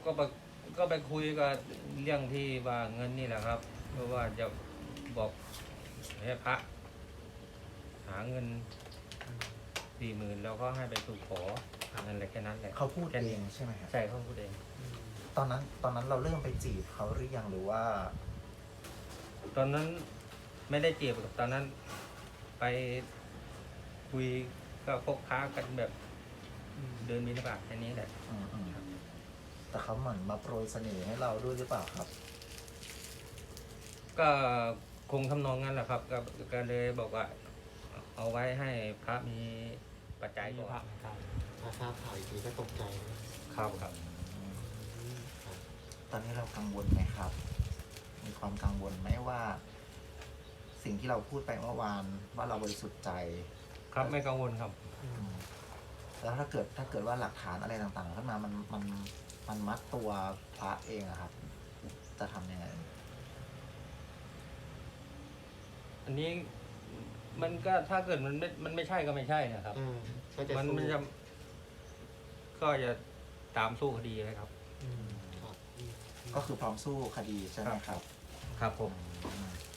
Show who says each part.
Speaker 1: ก็ไปก็ไปคุยกับเรื่องที่ว่าเงินนี่แหละครับเพราะว่าจะบอกให้พระหาเงิน40,000แล้วก็ให้ไปสู่ขอนั่นแหละแค่นั้นแหละ
Speaker 2: เขาพูด
Speaker 1: แค่
Speaker 2: เอ
Speaker 1: นี้
Speaker 2: งใช่ไหมครับ
Speaker 1: ใช่เขาพูดเอง
Speaker 2: ตอนนั้นเราเริ่มไปจีบเขาหรือยังหรือว่า
Speaker 1: ตอนนั้นไม่ได้จีบกับตอนนั้นไปคุยก็คบค้ากันแบบเดินบิณฑบาตแค่นี้แหละ
Speaker 2: อืมแต่เขาเหมือนมาโปรยเสน่ห์ให้เราด้วยหรือเปล่าครับ
Speaker 1: ก็คงทำนองนั้นแหละครับก็เลยบอกว่า เอาไว้ให้พระมีปัจจัย
Speaker 3: มี
Speaker 1: ก่อน
Speaker 3: พระเหมือนกันพอทราบข่าวอีกทีก็ตกใจนะครับ
Speaker 1: ครับ
Speaker 3: ครับ
Speaker 2: ตอนนี้เรากังวลไหมครับ มีความกังวลไหมว่า สิ่งที่เราพูดไปเมื่อวานว่าเราบริสุทธิ์ใจ
Speaker 1: ครับไม่กังวลครับ
Speaker 2: แล้วถ้าเกิดว่าหลักฐานอะไรต่างๆขึ้นมามันมัดตัวพระเองอะครับ จะทำยังไง
Speaker 1: อันนี้มันก็ถ้าเกิดมันไม่ใช่ก็ไม่ใช่นะครับ
Speaker 3: ก็จะ
Speaker 1: มัน
Speaker 3: สู้
Speaker 1: จะก็จะตามสู้คดีเลยครับ
Speaker 3: ครับ
Speaker 2: ก็คือพร้อมสู้คดีใช่ไหมครับ
Speaker 1: ครับผม
Speaker 2: อืม